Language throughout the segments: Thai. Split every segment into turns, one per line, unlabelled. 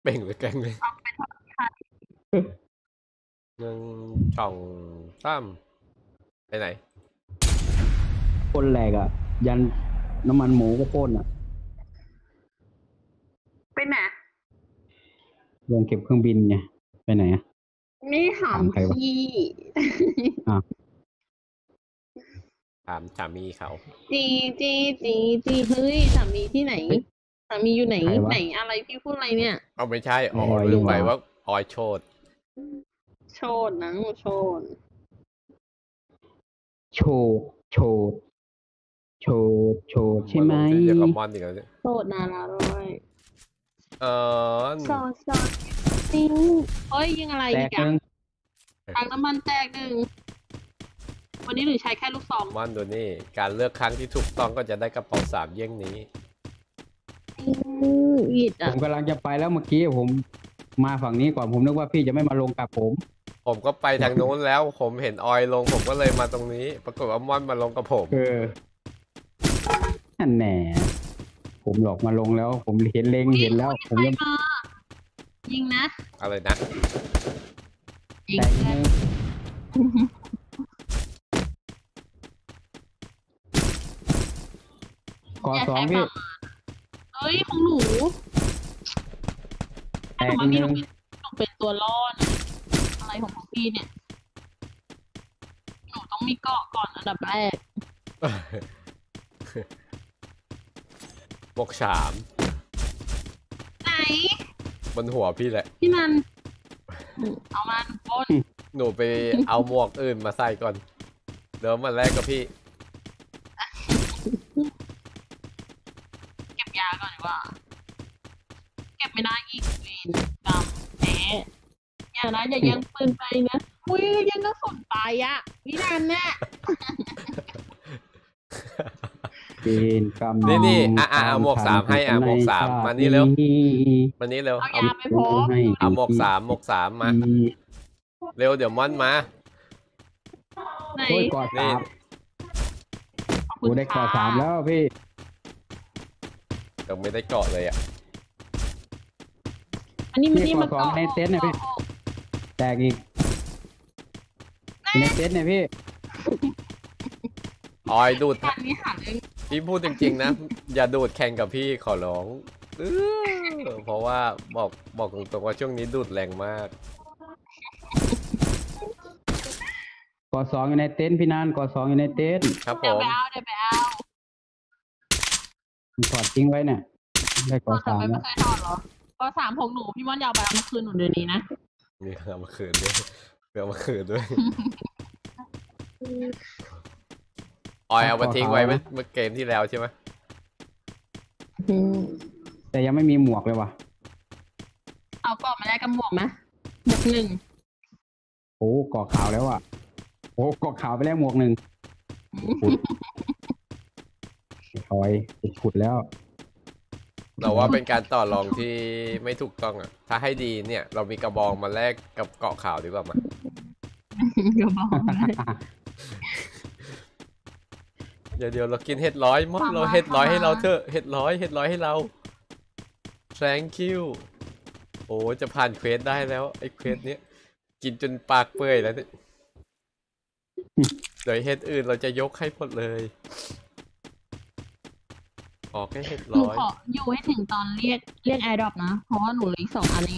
เป่งหรือแกงเลย
เอาไปทอดไข่
1 2 3ไปไหน
พ่นแหลกอ่ะ ยันน้ำมันหมูก็พ่นอ่ะ
ไปไหน
ลงเก็บเครื่องบินไงไปไหนอ่ะ
ไม่ถาม
ถามใครวะ
พี่
ถามสามีเขา
จีเฮ้ยสามีที่ไหนสามีอยู่ไหน
ใครวะ
ไหนอะไรพี่พูดอะไรเนี่ย
เอาไม่ใช่อ๋อ
ออย
ลืมไป
นี่หว่า
ว่าออยโชด
โชดนะโชด
โชว์โชว์โชว์โชว์ใช่ไหม
นลงที่เดียวกับมอนอีกแล้วเนี่ย
โชดนาราร้อย
น
ซอจริงเฮ้ยยิงอะไร
แต
อี
ก
ก
ห
อะ
นึ่ง
ถังน้ำมันแตกหนึ่งวันนี้หรือใช้แค่ลูกซอง
มอนดูนี่ การเลือกครั้งที่ถูกต้องก็จะได้กระเป๋า3 เยี่ยงนี้
อิด
ผ
อ่ะ
มกำลังจะไปแล้วเมื่อกี้ผมมาฝั่งนี้ก่อนผมนึกว่าพี่จะไม่มาลงกับผม
ผมก็ไปทางนู้นแล้ว ผมเห็นออยลง ผมก็เลยมาตรงนี้ ปรากฏว่ามอนมาลงกับผม
นั่นแหน่ผมหลอกมาลงแล้ว ผมเห็นเล็งเห็นแล้ว ผม
ใคร
ยัง
มายิงนะ
อะไรนะ
ยิง
แตกห
นะ
นึ่งก่อสองพี่
เอ้ยของหนู
แตก
ว่า
ห
พี่
นึ่ง
หนูเป็นตัวล่อนะอะไรของพวกพี่เนี่ย หนูต้องมีเกาะก่อนอันดับแรก
บวก3
ไหน
บนหัวพี่แหละ
พี่นันเอามาปล้น
หนูไปเอาหมวกอื่นมาใส่ก่อน เดี๋ยวมาแรกกับพี่
เก็บยาก่อนดีกว่า เก็บไม่ได้อีกเวรกรรมแหมอย่านะอย่ายังปืนไปนะอุ้ยยังก็สนตายอะพี่นันเนี่ย
เป็นกรรม
นี่เอาหมวก3ให้หมวก3มานี่เร็ว มานี่เร็ว
เอา
เอา
ยาไปพร้อม
เอาหมวก3มา เร็วเดี๋ยวมอนมา
ไหน
โอ้ยกอด
นี่
สาม
ขอบ
กู
คุณ
ได้กอด
ค่ะ
สามแล้วพี่
ยังไม่ได้เกาะเลยอ่ะ
อันนี้มัน
นี่
นี่มัน
กอดสองในเต็นท์เนี่ยพี่ แตกอีกในเต็นท์เนี่ยพี่
ออยดูด
อันนี้หาเรื่อง
พี่พูดจริงๆนะ อย่าดูดแข่งกับพี่ขอร้องเพราะว่าบอกตรงๆว่าช่วงนี้ดูดแรงมาก
กอดสองอยู่ในเต็นท์พี่นานกอดสองอยู่ในเต็นท์
ครับผ
เดี๋ยว
ม
ไปเอาเดี๋ยวไปเอา
ผมถอดทิ้งไว้เนี่ย ได้กอด
ทำ
สาม
ไม
แล้
ไม่
ว
เคยถอดเหรอก็สามของหนูพี่ม่อนยาวไปเอามาคืนหนูเดี๋ยวนี้นะ
มีเอามาคืนด้วยเอามาคืนด้วย ออยเอามาทิ้งไว้เมื่อเกมที่แล้วใช่ไหม
แต่ยังไม่มีหมวกเลยว่ะ
เอากรอบมาแลกกับหมวกไหมหมวกหนึ่ง
โอ้กอดขาวแล้วอ่ะโอ้กอดขาวไปแล้วหมวกหนึ่งถอยขุดแล้ว
เราว่าเป็นการต่อรองที่ไม่ถูกต้องอ่ะ ถ้าให้ดีเนี่ย เรามีกระบองมาแลกกับเกาะขาวดีกว่ามั้ย
ก็บอกได้
เดี๋ยวเรากินเห็ดร้อยมดเราเห็ดร้อยให้เราเถอะเห็ดร้อยให้เรา thank you โอ้จะผ่านเควสได้แล้วไอ้เควสเนี้ยกินจนปากเปื่อยแล้วเนี่ยเดี๋ยวเห็ดอื่นเราจะยกให้หมดเลยออกแค่เห็ด
หนู
ร้อย
ขออยู่ให้ถึงตอนเรียกแอร์ดรอปนะ เพราะว่าหนูเหลืออีก2 อันเอง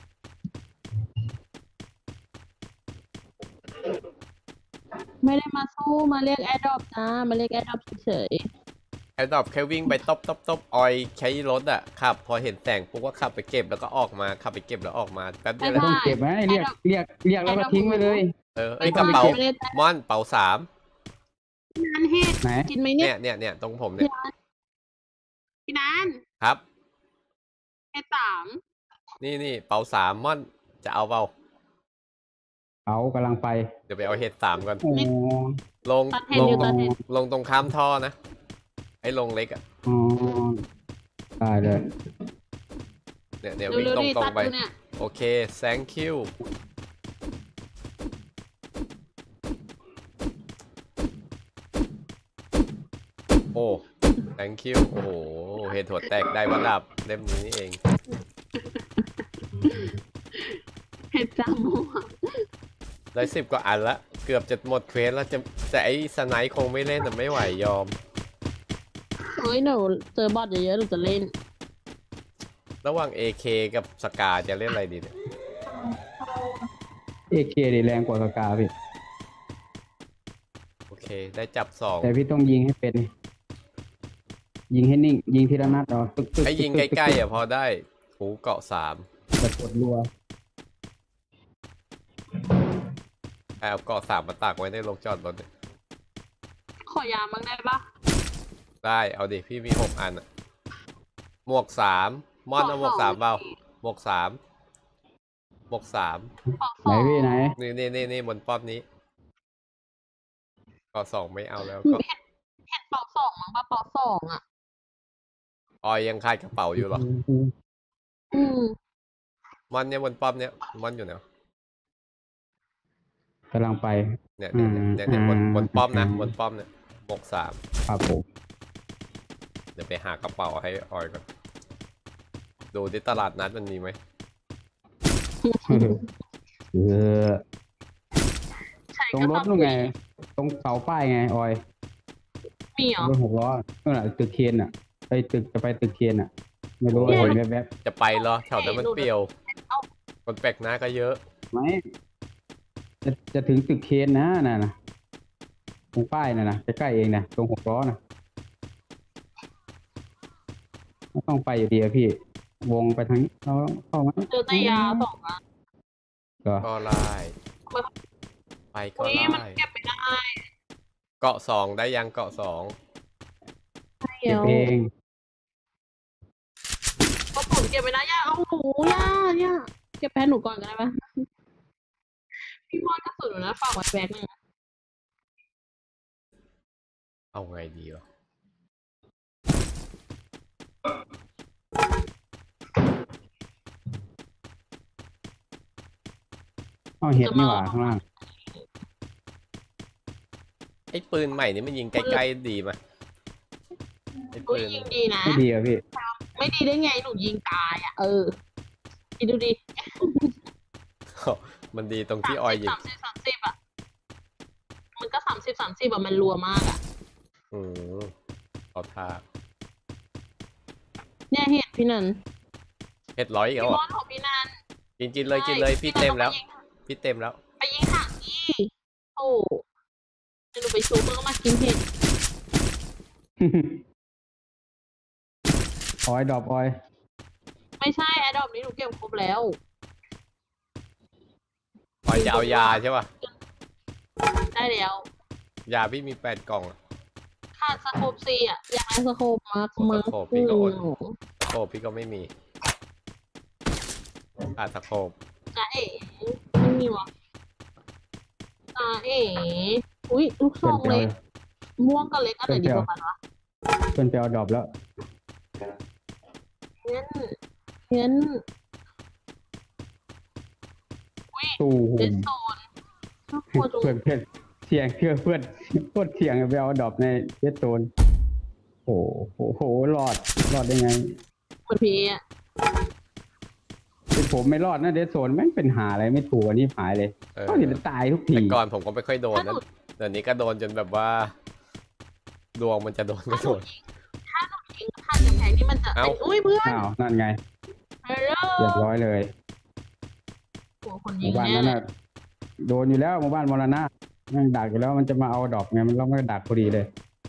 ไม่ได้มาสู้มาเรียกแอร์ดรอปจ้ามาเรียกแอร์ดรอปเฉย
ไอ้ดอกแค่วิ่งไปตบออยใช้รถอ่ะขับ พอเห็นแสงปุ๊บก็ขับไปเก็บแล้วก็ออกมาขับไปเก็บแล้วออกมาแป๊บเดียวแล้ว
ต้องเก็บไว้เรียกแล้วก็ทิ้งไว้เลย
ๆ
ไอ้กระเป๋า
ไม่ได้
ม่อนเป๋า3
พี่นันเฮ็ด
ไหน
กินไหม
เนี่
เนี่ย
ยตรงผมเนี่ย
พี่นัน
ครับ
เฮ็ด3
นี่เป๋า3ม่อนจะเอาเปล่า
เอากำลังไป
เดี๋ยวไปเอาเห็ด3ก่อน
โอ้
ลง
ตัดเห็ด
ลง
อยู่ตัดเห็ด
ลงตรงข้ามท่อนะ ไอ้ลงเล็กอ่ะ
อ๋อได้เลย
เนี่ยวิ่ง
เร็ว
ต
ๆดิ
ร
ตั
ง
ด
ๆไป
อยู่เนี่ย
โอเค thank you โอ้ thank you โอ้โหเห็ดหัวแตกได้วัดดับเล่มนี้นี่เอง
ห็ดจาม่วง
ได้10 กว่าอันละเกือบจะหมดเควสแล้วจะแต่ไอ้สไนค์คงไม่เล่นแต่ไม่ไหวยอม
เฮ้ยหนูเจอบอทเยอะๆหนูจะเล่น
ระหว่าง AK กับสกาจะเล่นอะไรดีเนี่ย
เอเคดีแรงกว่ากากาพี่
โอเคได้จับ2
แต่พี่ต้องยิงให้เป็น ยิงให้นิ่ง ยิงทีละนัดเอาตึกตึก
ให้ยิงใกล้ๆอ่ะพอได้หูเกาะ3
แต่กดรัว
เอาเกาะ3มาตากไว้ในโรงจอดรถเนี่ย
ขอยามั้งได้ปะ
ได้เอาดิพี่มี6 อันอะหมวก3มอนเอาหมวก3เปล่าหมวก3หมวก3
ปอกส
ไหน
อง
พี่ไหน
นี่บนป้อมนี้เกาะ2ไม่เอาแล้วก็
เห็ดปอกสองมั้งปะปอกสองอ่ะ
ออยยังคาดกระเป๋าอยู่เหรอ
อืม
มอนเนี่ยบนป้อมเนี่ยมอนอยู่ไหนวะ
กำลังไป
เนี่ยบนป้อมนะบนป้อมเนี่ยหมวก3
ครับผม
เดี๋ยวไปหากระเป๋าให้ออยก่อนดูที่ตลาดนัดมันมีไหม
เออ
ใช่
ตรง
ก็
รถนู่นไง ตรงเสาป้ายไงออย
มีเหรอ
รถ6 ล้อนู่นน่ะตึกเคนอ่ะ ไปตึกจะไปตึกเคนอ่ะ ไม่รู้
โอ้ย
เห็นแวบ
จะไปเหรอแถวนั้นมันเปรี่ยวคนแปลกหน้าก็เยอะ
ๆไหมจะถึงตึกเคนนะน่ะนะตรงป้ายน่ะนะใกล้ๆเองนะตรง6 ล้อนะไม่ต้องไปอยู่ดีอะพี่ วงไปทางนี้เราเข้ามา
เจอแต่ยาสองอ่ะ
ก็
ก็ไล่ไปก็
อุ้ยมัน
ไล่
เก็บไม่ได้
เกาะ2ได้ยังเกาะ2
เก็บเอง
ก็ผมเก็บไม่ได้ย่าเอาหนูย่าเก็บแพ้หนูก่อนก็ได้ปะพี่มอนกระสุนหนูนะฝากไว้แบกหนึ่ง
เอาไงดีวะ
เอาเห็ดนี่หว่าข้างล่าง
ไอ้ปืนใหม่นี่มันยิงใกล้ๆดีมั้ยไอ้
อุ้
ปื
ย
น
ยิงดีนะ
ไม่ดีอะพี่
ไม่ดีได้ไงหนูยิงตายอ่ะคิดดูดิ
มันดีตรงที่ออยยิง
30อ่ะมันก็30อ่ะมันรัวมากอ่ะ
เอาท่า
เนี่ยเห็ดพี่นัน
เฮ็ดร้อยอีก
พี่
แล้ว
ม
เหร
อ
อน
ของพี่นัน
กินเลยพี่เต็มแล้วพี่เต็มแล้ว
ไปยิงถังนี่โอ้เดี๋ยวหนูไปชูเพื่อมากินเห็ด
ออยดรอปออย
ไม่ใช่แอดดอปนี้หนูเก็บครบแล้ว
ออยจะเอายาใช่ป่ะ
ได้แล้ว
ยาพี่มี8 กล่องอะ
ขาดสโคปซีอ่ะอยากได้สโคปมาก
สโคปพี่ก็อด ตะโขบพี่ก็ไม่มีตะโขบ
จ้าเอ๋ไม่มีวะจ้าเอ๋อุ้ยลูกซ
เพื่อ
อน ง
ไป
เล็
เอา
กม่วงกับเล็กอันไหนดีกว่ากันวะ
เพื่อนไปเอาดรอปแล้ว
งั้นอุ้ย
ตู้หู
เดนโซนน่ากลัวจัง
เพื่อนเสียงเชื่อเพื่อนโคตรเสียงไปเอาดรอปในเวสโซนโอ้โหรอดได้ไง
เหมือนพีอ่ะ
เป็นผมไม่รอดนะเดสโซนแม่งเป็นหาอะไรไม่ถูกอันนี้หายเลยก็เห็นตายทุกที
แต่ก่อนผมก็ไม่ค่อยโดนนะเดี๋ยวนี้ก็โดนจนแบบว่าดวงมันจะโดนก็โดน
ถ้าหนูยิงผ่านกำแพงนี่มันจะ
เอ้า
เป็นอุ้ยเพื่อน
อ้าวนั่นไง
ฮัลโหล
เรียบร้อยเลย
หัวคน
ห
ยิ
มู่
ง
บ้าน
แน่
นั้น
เลย
น่ะโดนอยู่แล้วหมู่บ้านมรณะนั่งดักอยู่แล้วมันจะมาเอาดอกไงมันต้องไม่ดักพอดีเลย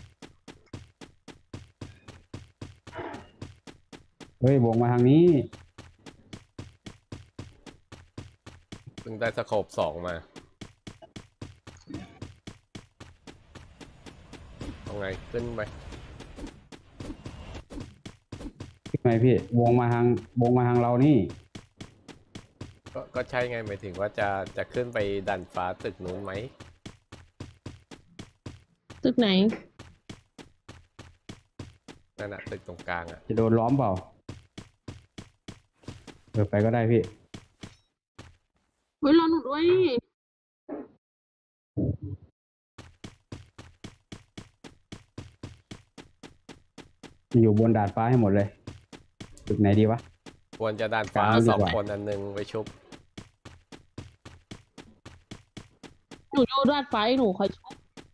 เฮ้ยวงมาทางนี้
เพิ่งได้สโคป2มาเอาไงขึ้นไป
ทำไมพี่วงมาทางเรานี่
ก็ใช่ไงหมายถึงว่าจะขึ้นไปดันฟ้าตึกนู้นไหม
ตึกไหน
นั่นน่ะตึกตรงกลางอ่ะ
จะโดนล้อมเปล่าไปก็ได้พี่
เฮ้ยรอหนูด้วย
อยู่บนดาดฟ้าให้หมดเลยตึกไหนดีวะ
ควรจะดันฟ้าก
ลางดีกว่า
2 คนอันหนึงไว้ชุบ
หนูอยู่ดาดฟ้าหนูคอยชุบ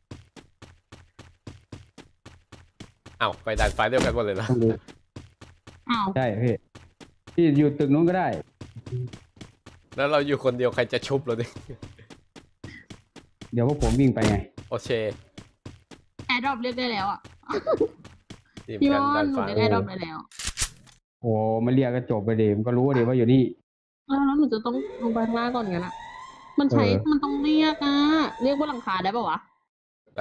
อ้าวไปดันไฟเดียวกันหมดเลยนะ
ต้องดู
อ้าว
ใช่พี่พี่อยู่ตึกนู้นก็ได้
แล้วเราอยู่คนเดียวใครจะชุบเราดิ
เดี๋ยวพวกผมวิ่งไปไง
โอเค
แอร์ดรอปเรียกได้แล้วอ่ะ
ทีม
พี่
กัน
มอ
ดั
น
น
หนู
ไฟ
เรียกแอร์ดรอปได้แล้ว
โอ้มาเรียกก็จบไปเดมนก็รู้เดว่าอยู่นี่
แล้วหนูจะต้องลงไปข้างล่างก่อนกันอะมันใช้ มันต้องเรียกอะเรียกบนหลังคาได้ปะวะ
ได้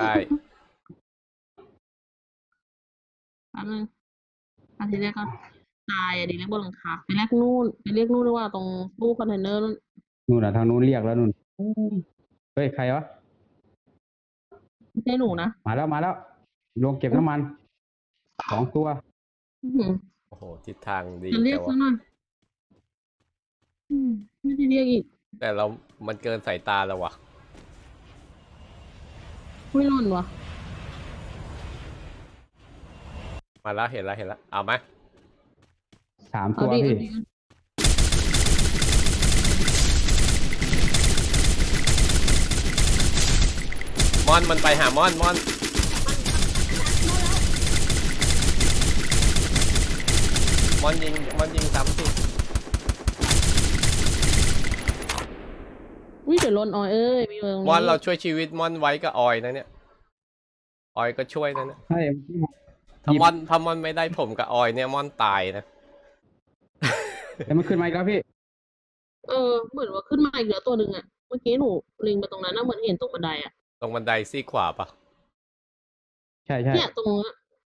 อันนึงอันที่แรกก็ตายอะดิเรียกบนหลังคาไปเรียกนู่นไปเรียกนู่นดีกว่าตรงตู้คอนเทนเนอร์นู่น
นู่นน่ะทางนู้นเรียกแล้วนู่นเฮ้ยใครวะ
ไม่ใช่หนูนะ
มาแล้วลงเก็บน้ำมัน2 ตัว
อื้อหือ
โอ้โหทิศทางดี
จะเรีย
แต่
ก
ว่า
ซะหน่อยไม่ได้เรียกอีก
แต่เรา มันเกินสายตาแล้ววะ
ไม่ร่นวะ
มาแล้วเห็นแล้วเอาไหม
3
เอา
ตัว
ดิ
พี่
เอาดิ
มอนมันไปหามอนมอนยิงซ้ำสิ
อุ้ยเดี๋ยวร่นออยเอ้ยมีเมือง
มอนเราช่วยชีวิตมอนไว้กับออยนะเนี่ยออยก็ช่วยนะเนี่ย
ใช่
ถ้ามอนไม่ได้ผมกับออยเนี่ยมอนตายนะ
แต่มันขึ้นมาอีกแล้วพี่
เหมือนว่าขึ้นมาอีกเหลือตัวหนึ่งอะเมื่อกี้หนูลิงไปตรงนั้นนะเหมือนเห็นตรงบันไดอะ
ตรงบันไดซี่ขวาปะ
ใช่
เนี่ยตรงนั้นอะ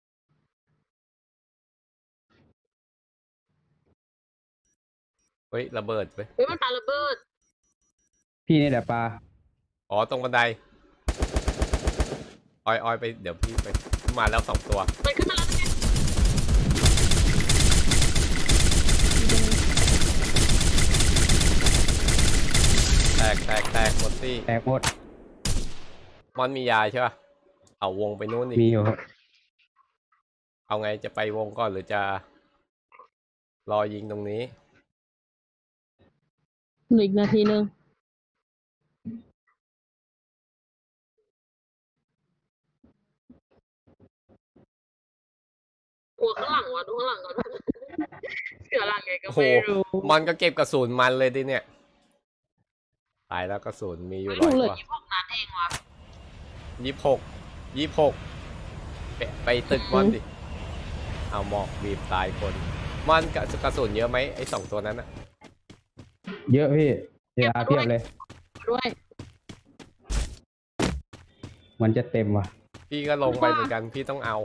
เฮ้ยระเบิดเว้ย
เฮ้ยมันปาระเบิด
พี่นี่แหละปลา
อ๋อตรงบันไดออยไปเดี๋ยวพี่ไปมาแล้ว2 ตัว
มันขึ้นมาแล้วไง
แตกหมดซี่
แตกหมด
มอนมียาใช่ปะเอาวงไปนู้นอีก
มีอยู่ครับ
เอาไงจะไปวงก่อนหรือจะรอยิงตรงนี้
เหลืออีกนาทีนึงกลัวข้างหลังวะดูข้างหลังก่อน เสือหลังไงก็
โอ้โห
ไม่รู้
มอนก็เก็บกระสุนมันเลยดิเนี่ยตายแล้วกระสุนมีอยู่
ไม่
ร้อย
รู้เลย
กว่า
26 นัดเองวะ
26ไปตึกมอนดิเอาหมอกบีบตายคนมอนกระสุนเยอะไหมไอ้2 ตัวนั้นอะ
เยอะพี่เออาเพียบเลย
ด้วย
มันจะเต็มว่ะ
พี่ก็ลงไปเหมือนกันพี่ต้องเอา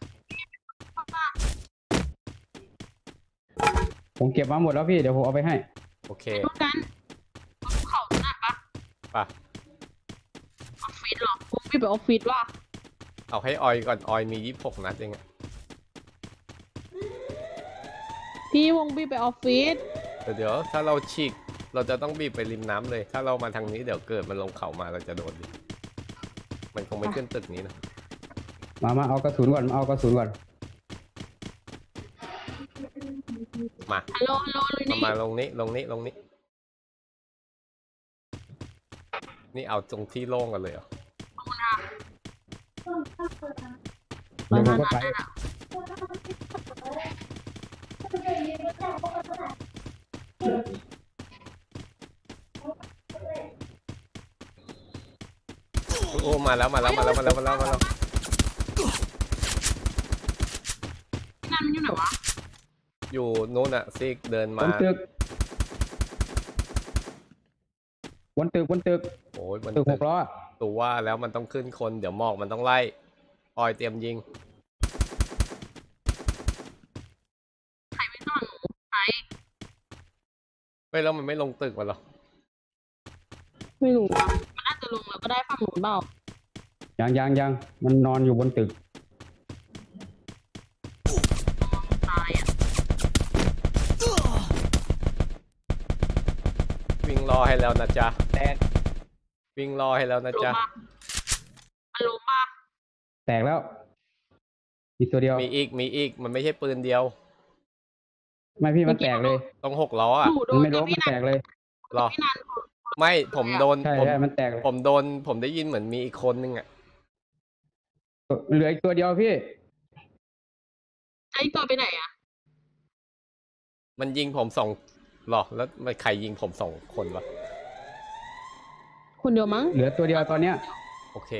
ผมเก็บมาหมดแล้วพี่เดี๋ยวผมเอาไปให้
โอเค
ดูกันภูเขาตรงนั้นปะ
ป่ะ
ออฟฟิศเหรอผมพี่ไปออฟฟิศว่ะ
เอาให้ออยก่อนออยมี26 นัดเองอะ
พี่วงพี่ไปออฟฟิศ
เดี๋ยวถ้าเราฉีกเราจะต้องบีบไปริมน้ำเลย ถ้าเรามาทางนี้เดี๋ยวเกิดมันลงเขามาเราจะโดนดิมันคงไม่ขึ้นตึกนี้นะ
มาเอากระสุนก่อนเอากระสุนก่อน
มา
ฮัลโหลเลยนี่
มาลงนี้นี่เอาตรงที่โล่งกันเลยเหรอ
เดี๋ยวผมก็ไป
โอ้มาแล้ว
นั่นมันอยู่ไหนวะ
อยู่นู้นอะซิกเดิน
บ
มาน
ตึกบนตึก
โอ้ยมัน
ตึก6 ล้อ
ตัวว่าแล้วมันต้องขึ้นคนเดี๋ยวหมอกมันต้องไล่ออยเตรียมยิง
ใครไม่ต้องหนูใคร
เฮ้ยแล้วมันไม่ลงตึกมาหรอ
ไม่รู้อะมันน่าจะลงแล้วก็ได้ฝั่งหนูเปล่า
ยังมันนอนอยู่บนตึก
ตายอ่ะ
วิ่งรอให้แล้วนะจ๊ะ
แตก
วิ่งรอให้แล้วนะ
ลง
จ๊ะ
มามันลงมา
แตกแล้วอีกตัวเดียว
มีอีกมันไม่ใช่ปืนเดียว
ไม่พี่มันแตกเลย
ต้อง6 ล้ออะ
หนูโด
มัน
น
ไม่ล้ม
พี่
มัน
นั
แต
น
กเลย
รอ
พี่นันคน
ไม่ผมโดน
ใช่
ผม
ใช่มันแตกเลย
ผมได้ยินเหมือนมีอีกคนนึงอ่ะ
เหลืออีกตัวเดียวพี่
ไอ้ตัวไปไหนอ่ะ
มันยิงผมสองหรอแล้วมันใครยิงผม2 คนวะ
คนเดียวมั้ง
เหลือตัวเดียวตอนเนี้ย
โอเค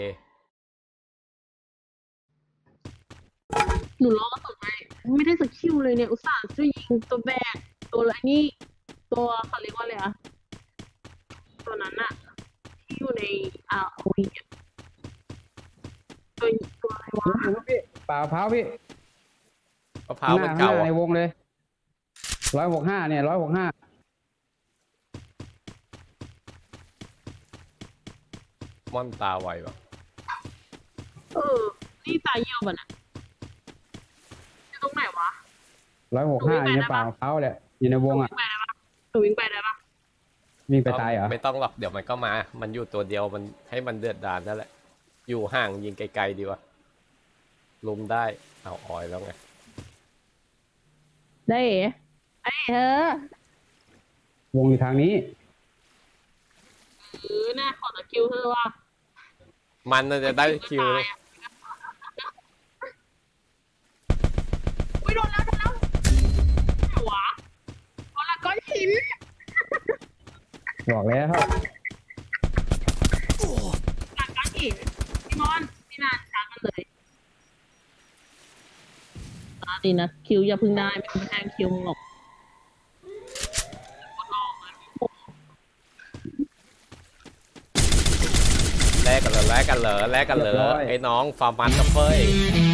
หนูรอกระสุนไปไม่ได้สักคิวเลยเนี่ยอุตส่าห์ช่วยยิงตัวแบกตัวอะไรนี่ตัวเขาเรียกว่าอะไรอะตัวนั้นอะที่อยู่ในROVอะตัวอะไรวะ
พี่ป่าเท้าพี่
มะพร้าวมัน
ข้างห
เก่า
น้า
อะ
ในวงเลย165เนี่ย165
ม่อนตาไววะ
นี่ตายเยี่ยวมันอะอยู่ตรงไหนวะ
165อยู่ในป่าเท้าแหละอยู่ในวงอ่ะ
หนูวิ่งไปได้ปะ
วิ่งไปตายเหรอ
ไม่ต้องหรอกเดี๋ยวมันก็มา มันอยู่ตัวเดียวมันให้มันเดือดดาลนั่นแหละ อยู่ห่างยิงไกลๆดีวะลุมได้เอาออยแล้วไง
ได้เอ๋ไอ้เธอ
วงอยู่ทางนี้
น่าขอตะคิวเธอว่ะ
มันน่าจะได้คิว
อุ้ยโดนแล้วไหนวะโดนละก้อนหิน
บอกแล้ว
หลังก้อนหินพี่มอนพี่นานช้ากันเลยดีนะคิวอย่าพึ่งได้ไม่แทงคิวหรอก
แลกกันเหรอไอ้น้องฟาร์มันกับเฟ้ย